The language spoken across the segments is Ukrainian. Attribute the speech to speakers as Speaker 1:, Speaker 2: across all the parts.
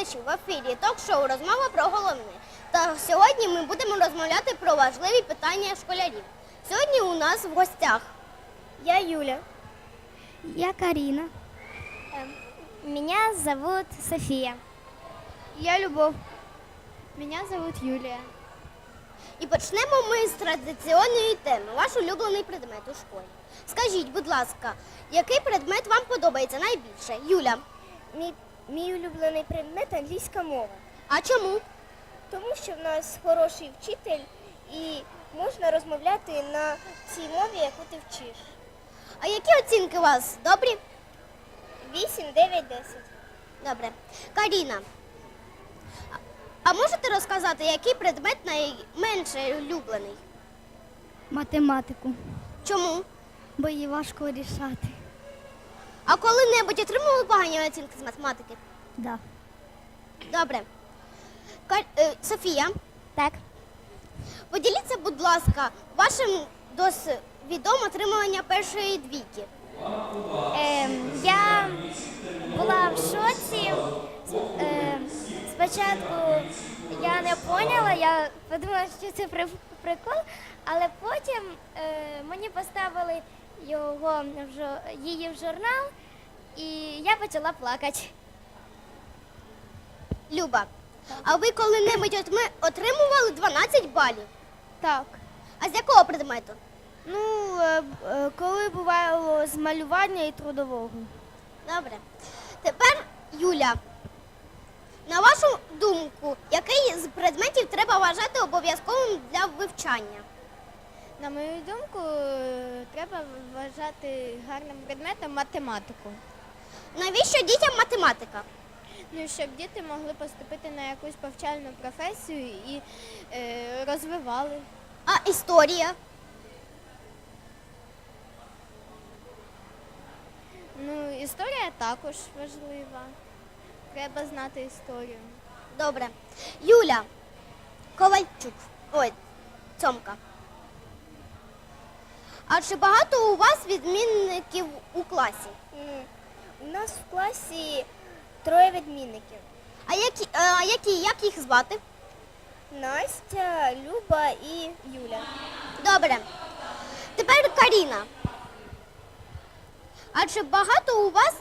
Speaker 1: глядачі! В ефірі ток-шоу «Розмова про головне». Та сьогодні ми будемо розмовляти про важливі питання школярів. Сьогодні у нас в гостях
Speaker 2: Я Юля.
Speaker 3: Я Карина.
Speaker 2: Меня зовут София.
Speaker 3: Я Любов.
Speaker 2: Меня зовут Юлия.
Speaker 1: І почнемо ми з традиційної теми – ваш улюблений предмет у школі. Скажіть, будь ласка, який предмет вам подобається найбільше? Юля.
Speaker 2: Мій улюблений предмет – англійська мова.
Speaker 1: А чому?
Speaker 2: Тому що в нас хороший вчитель і можна розмовляти на цій мові, яку ти вчиш.
Speaker 1: А які оцінки у вас? Добрі?
Speaker 2: 8, 9, 10.
Speaker 1: Добре. Каріна, а можете розказати, який предмет найменше улюблений?
Speaker 3: Математику,
Speaker 1: Чому?
Speaker 3: бо її важко рішати.
Speaker 1: А коли-небудь отримували погані оцінки з математики?
Speaker 3: Да.
Speaker 1: Добре. Софія,
Speaker 2: Так.
Speaker 1: поділіться, будь ласка, вашим досвідом отримування першої двійки.
Speaker 2: Я була в шоці. Спочатку я не поняла, я подумала, що це прикол, але потім мені поставили її в журнал, і я почала плакати.
Speaker 1: Люба, а ви коли-небудь отримували 12 балів?
Speaker 3: Так.
Speaker 1: А з якого предмету?
Speaker 3: Коли бувало з малювання і трудового.
Speaker 1: Добре. Тепер, Юля, на вашу думку, який з предметів треба вважати обов'язковим для вивчання?
Speaker 4: На мою думку, треба вважати гарним предметом математику.
Speaker 1: Навіщо дітям математика?
Speaker 4: Ну, щоб діти могли поступити на якусь повчальну професію і розвивали.
Speaker 1: А історія?
Speaker 4: Ну, історія також важлива. Треба знати історію.
Speaker 1: Добре. Юля Ковальчук. Ой, Цьомка. А чи багато у вас відмінників у класі?
Speaker 2: У нас в класі 3 відмінників.
Speaker 1: А як їх звати?
Speaker 2: Настя, Люба і Юля.
Speaker 1: Добре. Тепер Каріна. А чи багато у вас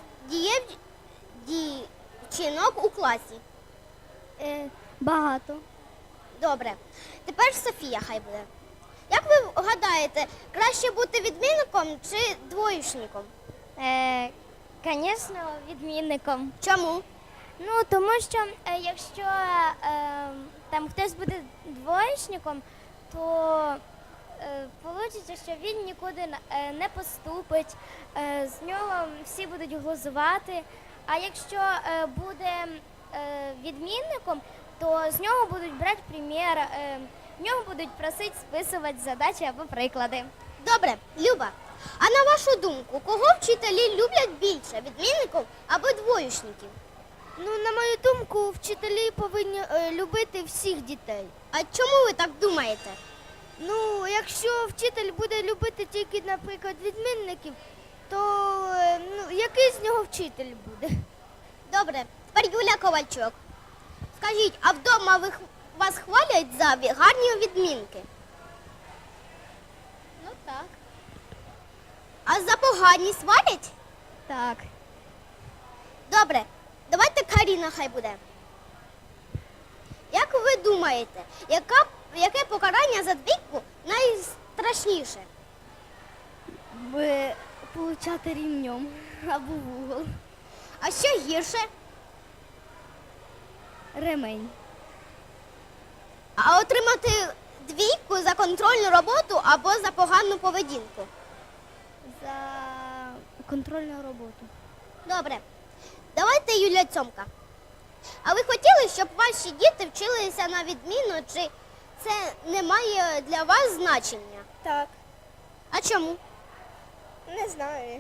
Speaker 1: дівчинок у класі?
Speaker 3: Багато.
Speaker 1: Добре. Тепер Софія хай буде. Як ви гадаєте, краще бути відмінником чи двоєчником?
Speaker 2: Звісно, відмінником.
Speaker 1: Чому?
Speaker 2: Ну, тому що якщо там хтось буде двоєчником, то вийде, що він нікуди не поступить, з нього всі будуть глузувати. А якщо буде відмінником, то з нього будуть брати примір, в нього будуть просити списувати задачі або приклади.
Speaker 1: Добре, Люба, а на вашу думку, кого вчителі люблять більше, відмінників або двоєчників?
Speaker 3: На мою думку, вчителі повинні любити всіх дітей.
Speaker 1: А чому ви так думаєте?
Speaker 3: Якщо вчитель буде любити тільки, наприклад, відмінників, то який з нього вчитель буде?
Speaker 1: Добре, тепер Юля Ковальчук. Скажіть, а вдома вас хвалять за гарні відмінки?
Speaker 4: Ну так.
Speaker 1: А за погані сварять?
Speaker 4: Так.
Speaker 1: Добре, давайте Каріна хай буде. Як ви думаєте, яке покарання за двійку найстрашніше?
Speaker 3: Получати рівнем або в угол.
Speaker 1: А що гірше?
Speaker 3: Ремень.
Speaker 1: А отримати двійку за контрольну роботу або за погану поведінку?
Speaker 3: За контрольну роботу.
Speaker 1: Добре. Давайте Юля Цьомка. А ви хотіли, щоб ваші діти вчилися на відміну, чи це не має для вас значення?
Speaker 2: Так,
Speaker 1: А чому?
Speaker 2: не знаю.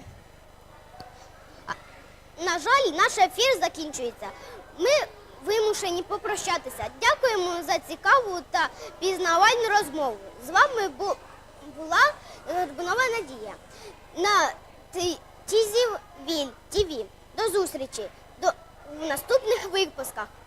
Speaker 1: На жаль, наш ефір закінчується. Ми вимушені попрощатися. Дякуємо за цікаву та пізнавальну розмову. З вами була Горбунова Надія на Тізів ТВ. До зустрічі в наступних випусках.